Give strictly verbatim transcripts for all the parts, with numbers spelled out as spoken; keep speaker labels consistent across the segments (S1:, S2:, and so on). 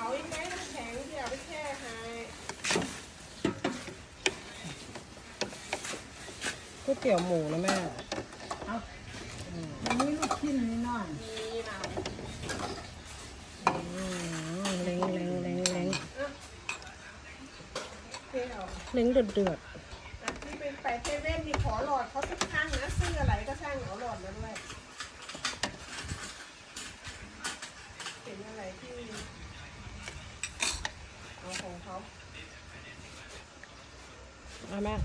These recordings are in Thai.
S1: เขาอีกไหมน้ำแข็งเดี๋ยวไปแช่ให้ก๋วยเตี๋ยวหมูนะแม่เอา
S2: มันมีลูกชิ้นนิดหน่อย
S1: มีนะเล้งเล้งเล้งเล้งเล้งเดือดเดือดนี่เป็นไปเซเว่นนี่ขอหลอดเขาทุกครั้งนะซื้ออะไรก็ช่างเอาหลอดมาด้วยเป็นอะไรที่เอาของเขาเอาแม่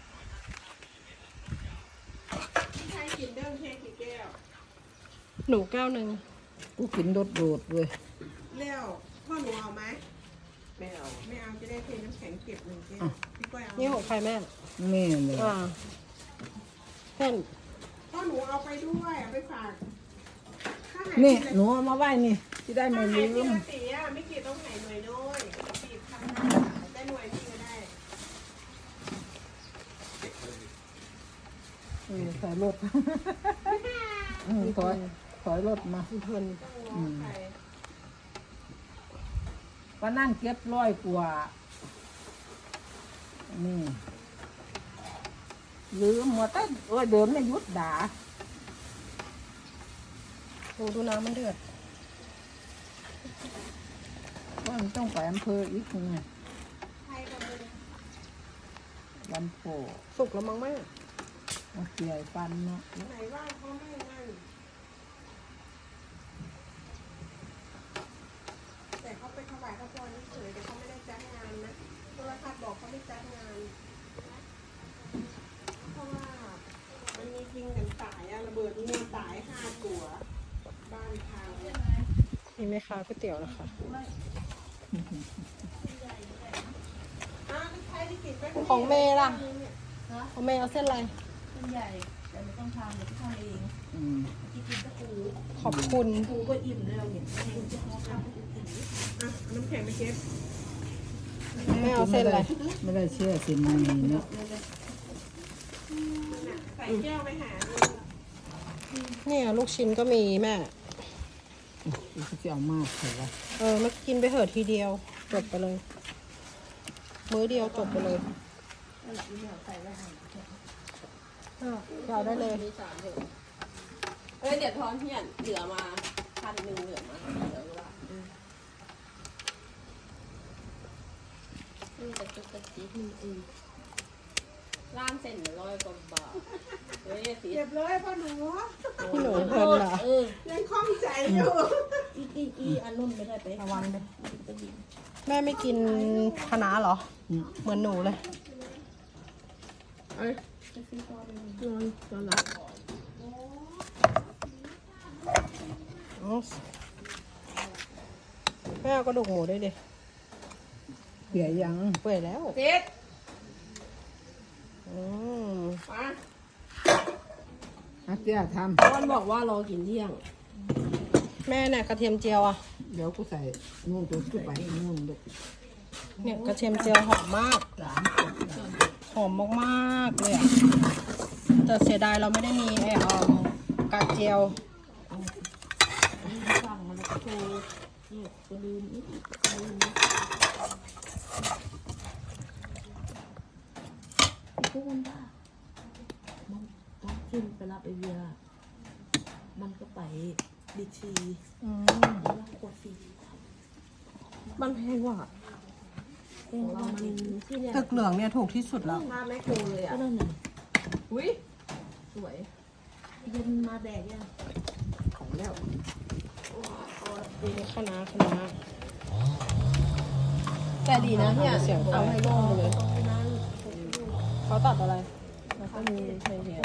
S1: พี่ชายกินเด้งเค้กกี่แก้วหนูแก้วหนึ่ง
S2: กูกินโดดโดดเลย
S1: แล้วพ่อหนูเอาไหมไม่เอาไม่เอาจะได้เทน้ำแข็งเก็บหนึ่งแก้วพี่ก้อยเอานี่ของใครแม่
S2: แม่เลย
S1: อ่าเพื่อนพ่อหนูเอาไปด้วยเอาไปฝาก
S2: นี่หนูเอามาไว้นี่ที่ได้ไม่ลืม
S1: ตีอ่ะไม่กี่ต้องไหนหน่วยน้อยตีทำได้หน่วยที่ก็ได้
S2: เออถอยรถอืมถอยถอยรถมา
S1: เพื่อน
S2: อืมก็นั่นเก็บร้อยกว่านี่ลืมหมดแต่เออเดินไม่ยุดด่า
S1: โอ้ดูน้ำมันเดือด
S2: ว่ามันต้องไปอำเภออีกไงลำโพ
S1: สุกแล้วมั้งแม่
S2: เอาเกี่ยฟันเนาะ
S1: ไหนว่าเขาไม่นั่นแต่เขาไปถวายพระพรเฉยแต่เขาไม่ได้จัดงานนะโทรทัศน์บอกเขาไม่จัดงานเพราะว่ามันมียิงกันตายอะระเบิดมีตายห้าตัวบ้านทางนี่ไหมคะก๋วยเตี๋ยวนะคะของเมย์ล่ะของเมย์เอาเส้นอะไร
S3: เส้นใหญ่แต่ไม่ต้องทำเดี๋ยวพี่ทำเองกินกินตะปู
S1: ขอบคุณ
S3: ปูก็อิ่มเลยเราเห็นคุณจะเอาทำให้กิน
S1: อ่ะน้ำแข็งไปเก็บไม่เอาเส้นอะไร
S2: ไม่ได้เชื่อสิมันเนาะ
S1: ใส่แก้วไปหาเนี่ยลูกชิ้นก็มีแม่
S2: จะเอามากเหรอวะ
S1: เออมากินไปเถอะทีเดียวจบไปเลยมื้อเดียวจบไปเลยเอาได้เลย
S3: เอ้ยเดี๋ยวทอนเพี้ยนเหลือมาพันหนึ่งเหลือมาเหลือว่านี่แต่จุกกระจิ๊บอืมร้านเส้นร้อยกว่าบาทเฮ้ยเก็
S1: บเลยพ่อหนูพี่หนูเพลินเหรอยังคล่องใจอยู่
S3: อีอีอีอันนุ่นไม่ได้ไประ
S1: วังเลยแม่ไม่กินคะน้าเหรอเหมือนหนูเลยเอ้ยนอนนอนหลับแม่เอากระดูกหมูด้วยดิ
S2: เปื่อยยัง
S1: เปื่อยแล้ว
S3: เจ็ด
S1: อืมมา
S2: อาเจ้าทำ
S3: พ่อบอกว่ารอกินเที่ยง
S1: แม่เนี่ยกระเทียมเจียวอ่ะ
S2: เดี๋ยวกูใส่นู่นตัวขึ้นไปนู่นลูก
S1: เนี่ยกระเทียมเจียวหอมมากหอมมากๆเลยอ่ะแต่เสียดายเราไม่ได้มีไอ้ออมกากเจียว
S3: สั่งมาแล้วโชว์นี่ก็ลืมอีกลืมพวกมันบ้ามันต้องขึ้นไปรับไอเบียมันก็ไปดิชี
S1: อืม
S3: แล้วกดฟรี
S1: มันแพงว่ะ
S3: เองเรามันที่เนี่ย
S1: ตึกเหลืองเนี่ยถูกที่สุดแล้ว
S3: มาไม่โคเลยอ่ะก็นั่นน่ะอุ้ยสวยเย็นมาแดกยัง
S1: ของแล้วดีคณะคณะแต่ดีนะเนี่ยเสียงเอาให้โล่งเลยเขาตัดอะไร
S3: แล้วก็มีเฉยๆ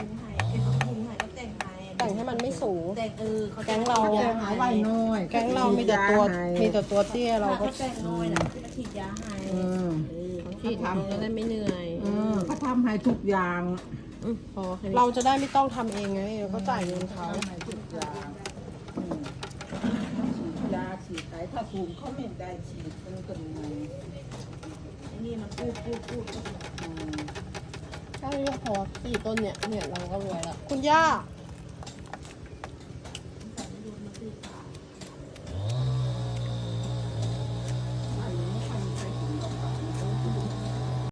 S1: แต่งให้มันไม่สูง
S3: แต่งเออ
S1: แก๊งเรา
S2: หาไว้น้อย
S1: แก๊งเรามีแต่ตัวมีแต่ตัวเตี้ยเราก็
S3: แต่งน้อยนะที่ฉีดยาให้
S1: ฉีดทำจะได้ไม่เหนื่อย
S2: เขาทำให้ทุกอย่าง
S1: เราจะได้ไม่ต้องทำเองไงเราก็จ่ายเงินเขา
S2: ทุกอย่างยาฉีดไขถ้าภูมิเขาไม่ได้ฉีดมันก็มี
S3: นี่มันพูดพูดพูด
S1: แค่นี้พอสี่ต้นเนี่ยเนี่ยเราก็รวยแล้วคุณย่า